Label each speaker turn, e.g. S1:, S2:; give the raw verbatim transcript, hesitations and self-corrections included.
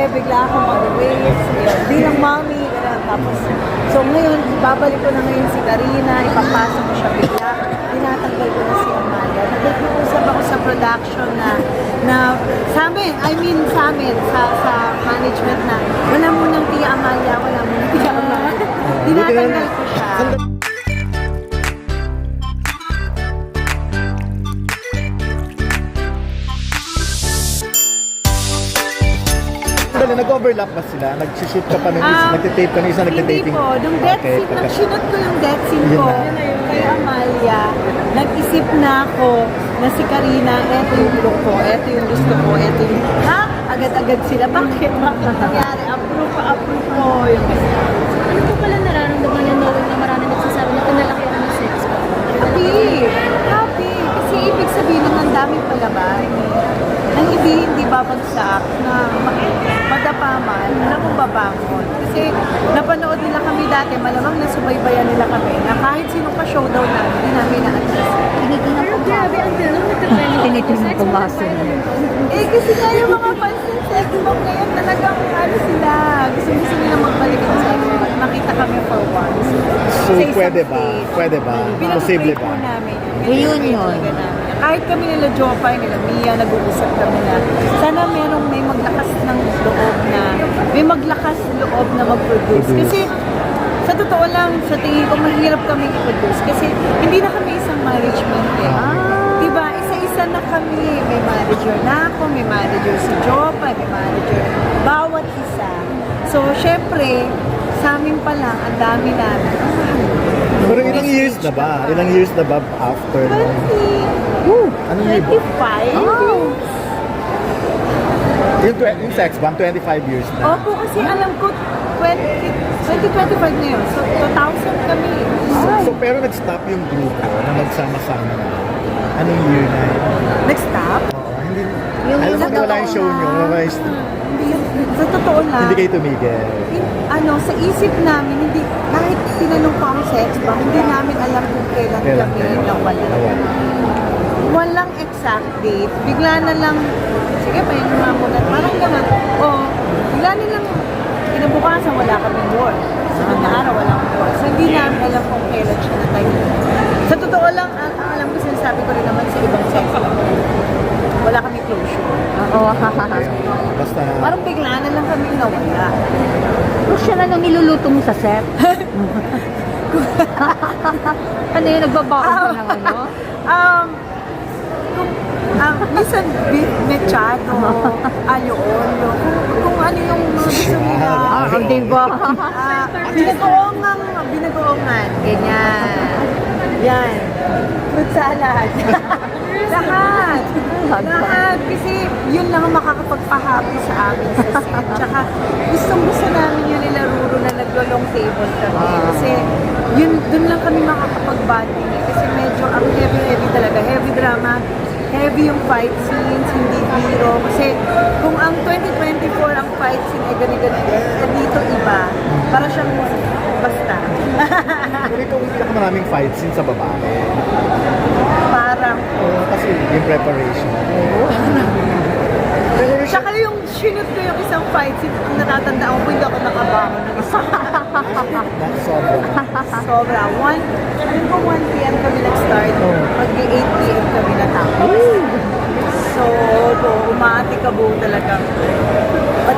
S1: bigla akong mag-waste. Yun, bilang mommy, gano'n. Tapos, so ngayon, babalik ko na ngayon si Karina, ipapasok ko siya bigla. Tinatanggal ko na si Amalia. Nag-uusap ako sa production na, na sa amin, I mean sa amin, sa, sa management na, wala munang Tia Amalia, wala munang Tia Amalia. Tinatanggal ko siya.
S2: Nag-overlap ba sila? Nag-shoot ka pa ng isa?
S1: Um,
S2: Nagtitape ka ng isa? Nagtitaping?
S1: Hindi po. Nung death
S2: Okay,
S1: scene, nang
S2: pagka-
S1: sinot ko yung death scene
S2: Yun
S1: ko
S2: na.
S1: kay Amalia, nag-isip na ako na si Karina, eto yung look ko, eto yung gusto ko, eto yung, ha? Agad-agad sila. Bakit? Bakit nangyari? Approve pa, approve ko. Yung
S3: Ano po pala nararamdaman niya knowing na marami nagsasabi na pinalaki ako ng sex ko?
S1: happy. Happy. Kasi ibig sabihin ng ang daming palabas. Nang hindi, hindi babagsak na ma- madapa man, alam mong babangon. Kasi napanood nila kami dati, malamang nasubaybayan nila kami na kahit sino pa showdown na, hindi namin na-address.
S3: Tinitingnan ko grabe, until nung nagka-trending
S4: Tinitingnan ko ba sila?
S1: Eh, kasi nga yung mga fans ng sex bomb ngayon talagang ano sila, gusto gusto nila magbalik ng sex bomb. Makita kami for once.
S2: So,
S1: Sa isang
S2: pwede ba?
S1: stage.
S2: Pwede ba? Posible
S1: Pinag-pray
S2: ba?
S1: po namin yun.
S4: Reunion.
S1: Pinag-pray talaga namin. Kahit kami nila Jopay, nila Mia, nag-uusap kami na sana merong may maglakas ng loob na, may maglakas loob na mag-produce.
S2: Produce.
S1: Kasi sa totoo lang, sa tingin ko, mahirap kami i-produce. Kasi hindi na kami isang management eh.
S2: Ah.
S1: Diba? Isa-isa na kami. May manager na ako, may manager si Jopay, may manager. Bawat isa. So, syempre, sa amin pa lang, ang dami namin.
S2: Pero ilang years na ba? Ilang years na ba after nung...
S1: twenty,
S2: Woo! Anong year ba?
S1: twenty-five?
S4: Oh.
S2: Yung, tw- yung sex bomb, twenty-five years na.
S1: Opo, kasi alam ko, twenty, twenty twenty-five na yun. So, two thousand kami.
S2: So, so, pero nag-stop yung grupo na magsama-sama na. Anong year na yun?
S1: Nag-stop?
S2: Oo, hindi...
S4: Yung
S2: alam mo
S4: sa
S2: na wala yung
S4: totoo
S2: show nyo.
S4: lang.
S2: wala yung-
S1: Hindi, sa totoo lang.
S2: Hindi kayo tumigil.
S1: in- ano, sa isip namin, hindi, kahit tinanong ko ang sex bomb, hindi namin alam kung kailan
S2: Kailan
S1: kami
S2: kayo?
S1: nawala.
S2: Nawala.
S1: Walang exact date. Bigla na lang, sige, pahinga nga muna. Parang gano'n. O, bigla na lang, kinabukasan, wala kaming work. Sunod na araw, wala kaming work. So, hindi namin alam kung kailan siya natay. Sa totoo lang, ang, ang alam ko, sinasabi ko rin naman sa ibang sex bomb. Wala kami closure.
S4: Oo.
S2: Basta...
S1: Parang bigla na lang kami nawala.
S4: Kung siya na nung niluluto mo sa set. Ano yun, nagbabaon ka ng ano?
S1: Um, kung, um, minsan beef mechado, ayo olo, kung, kung ano yung mga gusto nila.
S4: Ah, di ba?
S1: Ah, binagoongan, binagoongan, ganyan. Yan. Fruit salad. Lahat. Lahat. Kasi yun lang ang makakapagpa-happy sa amin sa set. Tsaka gustong gusto namin yun nila Ruro na naglo-long table kami. Kasi yun, dun lang kami makakapag-bonding. eh. Kasi medyo ang heavy-heavy talaga. Heavy drama. Heavy yung fight scenes, hindi hero. Kasi kung ang twenty twenty-four ang fight scene ay ganito-ganito, eh, dito iba. Para siyang basta.
S2: Pero ikaw yung pinakamaraming fight scene sa babae.
S1: Parang,
S2: Oo, kasi yung preparation. Pero siya...
S1: tsaka yung sinut ko yung isang fight scene, ang natatandaan ko, hindi ako nakabangon ng isa.
S2: That's sobra.
S1: Sobra. one, alam ko one p m kami nag-start. Mag-eight p m kami natapos. So, po, umaati ka buo talaga.